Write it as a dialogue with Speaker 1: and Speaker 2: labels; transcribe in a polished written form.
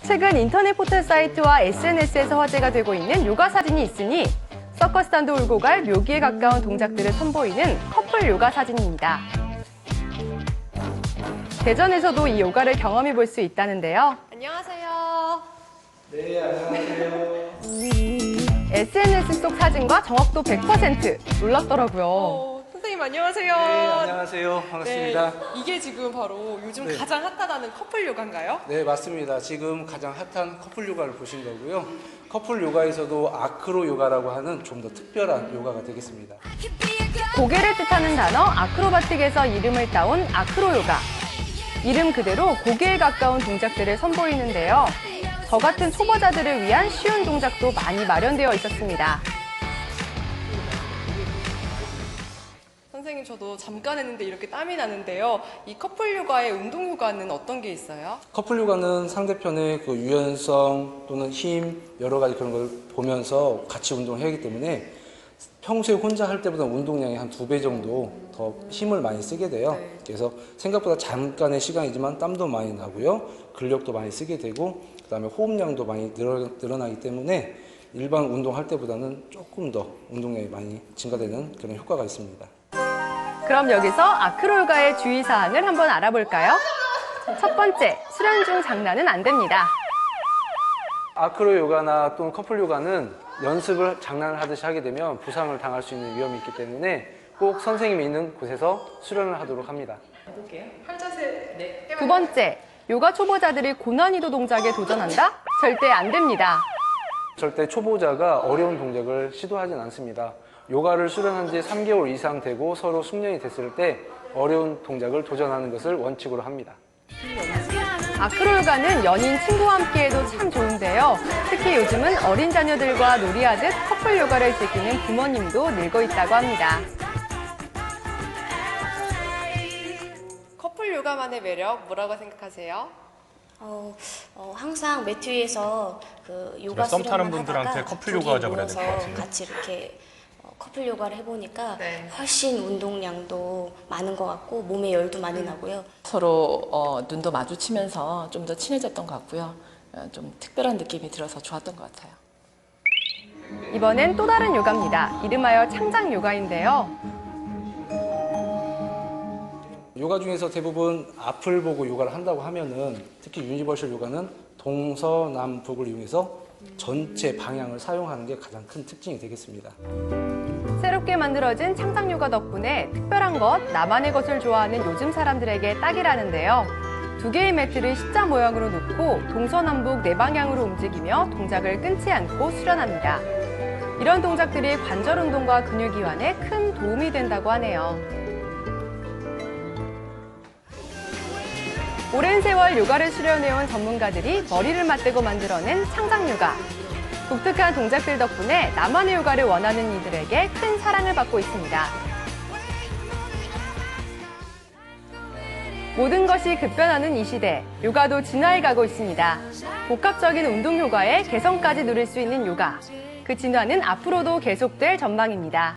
Speaker 1: 최근 인터넷 포털 사이트와 SNS에서 화제가 되고 있는 요가 사진이 있으니 서커스단도 울고 갈 묘기에 가까운 동작들을 선보이는 커플 요가 사진입니다. 대전에서도 이 요가를 경험해 볼 수 있다는데요. 안녕하세요.
Speaker 2: 네, 안녕하세요.
Speaker 1: SNS 속 사진과 정확도 100% 놀랍더라고요.
Speaker 3: 선생님 안녕하세요.
Speaker 2: 네, 안녕하세요. 반갑습니다.
Speaker 3: 네, 이게 지금 바로 요즘
Speaker 2: 네.
Speaker 3: 가장 핫하다는 커플 요가인가요?
Speaker 2: 네, 맞습니다. 지금 가장 핫한 커플 요가를 보신 거고요. 커플 요가에서도 아크로 요가라고 하는 좀 더 특별한 요가가 되겠습니다.
Speaker 1: 고개를 뜻하는 단어 아크로바틱에서 이름을 따온 아크로 요가. 이름 그대로 고개에 가까운 동작들을 선보이는데요. 저 같은 초보자들을 위한 쉬운 동작도 많이 마련되어 있었습니다.
Speaker 3: 선생님 저도 잠깐 했는데 이렇게 땀이 나는데요. 이 커플 요가의 운동 효과는 어떤 게 있어요?
Speaker 2: 커플 요가는 상대편의 그 유연성 또는 힘 여러 가지 그런 걸 보면서 같이 운동을 하기 때문에 평소에 혼자 할 때보다 운동량이 한 2배 정도 더 힘을 많이 쓰게 돼요.
Speaker 3: 네.
Speaker 2: 그래서 생각보다 잠깐의 시간이지만 땀도 많이 나고요. 근력도 많이 쓰게 되고 그다음에 호흡량도 많이 늘어나기 때문에 일반 운동할 때보다는 조금 더 운동량이 많이 증가되는 그런 효과가 있습니다.
Speaker 1: 그럼 여기서 아크로 요가의 주의사항을 한번 알아볼까요? 첫 번째, 수련 중 장난은 안 됩니다.
Speaker 2: 아크로 요가나 또는 커플 요가는 연습을 장난을 하듯이 하게 되면 부상을 당할 수 있는 위험이 있기 때문에 꼭 선생님이 있는 곳에서 수련을 하도록 합니다.
Speaker 3: 해볼게요. 팔자세 네.
Speaker 1: 두 번째, 요가 초보자들이 고난이도 동작에 도전한다? 절대 안 됩니다.
Speaker 2: 절대 초보자가 어려운 동작을 시도하진 않습니다. 요가를 수련한 지 3개월 이상 되고 서로 숙련이 됐을 때 어려운 동작을 도전하는 것을 원칙으로 합니다.
Speaker 1: 아크로 요가는 연인, 친구와 함께 해도 참 좋은데요. 특히 요즘은 어린 자녀들과 놀이하듯 커플 요가를 즐기는 부모님도 늘고 있다고 합니다.
Speaker 3: 커플 요가만의 매력 뭐라고 생각하세요?
Speaker 4: 항상 매트 위에서 그 요가
Speaker 5: 썸 타는
Speaker 4: 수련을
Speaker 5: 분들한테
Speaker 4: 하다가
Speaker 5: 커플
Speaker 4: 둘이
Speaker 5: 요가 하자고 그래야 될 것
Speaker 4: 모여서
Speaker 5: 같아요.
Speaker 4: 같이 이렇게 커플 요가를 해보니까
Speaker 3: 네.
Speaker 4: 훨씬 운동량도 많은 것 같고 몸에 열도 많이 나고요.
Speaker 6: 서로 눈도 마주치면서 좀 더 친해졌던 것 같고요. 좀 특별한 느낌이 들어서 좋았던 것 같아요.
Speaker 1: 이번엔 또 다른 요가입니다. 이름하여 창작 요가인데요.
Speaker 2: 요가 중에서 대부분 앞을 보고 요가를 한다고 하면은 특히 유니버셜 요가는 동서남북을 이용해서 전체 방향을 사용하는 게 가장 큰 특징이 되겠습니다.
Speaker 1: 새롭게 만들어진 창작 요가 덕분에 특별한 것, 나만의 것을 좋아하는 요즘 사람들에게 딱이라는데요. 2개의 매트를 십자 모양으로 놓고 동서남북 4방향으로 움직이며 동작을 끊지 않고 수련합니다. 이런 동작들이 관절 운동과 근육 이완에 큰 도움이 된다고 하네요. 오랜 세월 요가를 수련해온 전문가들이 머리를 맞대고 만들어낸 창작 요가. 독특한 동작들 덕분에 나만의 요가를 원하는 이들에게 큰 사랑을 받고 있습니다. 모든 것이 급변하는 이 시대, 요가도 진화해 가고 있습니다. 복합적인 운동 효과에 개성까지 누릴 수 있는 요가. 그 진화는 앞으로도 계속될 전망입니다.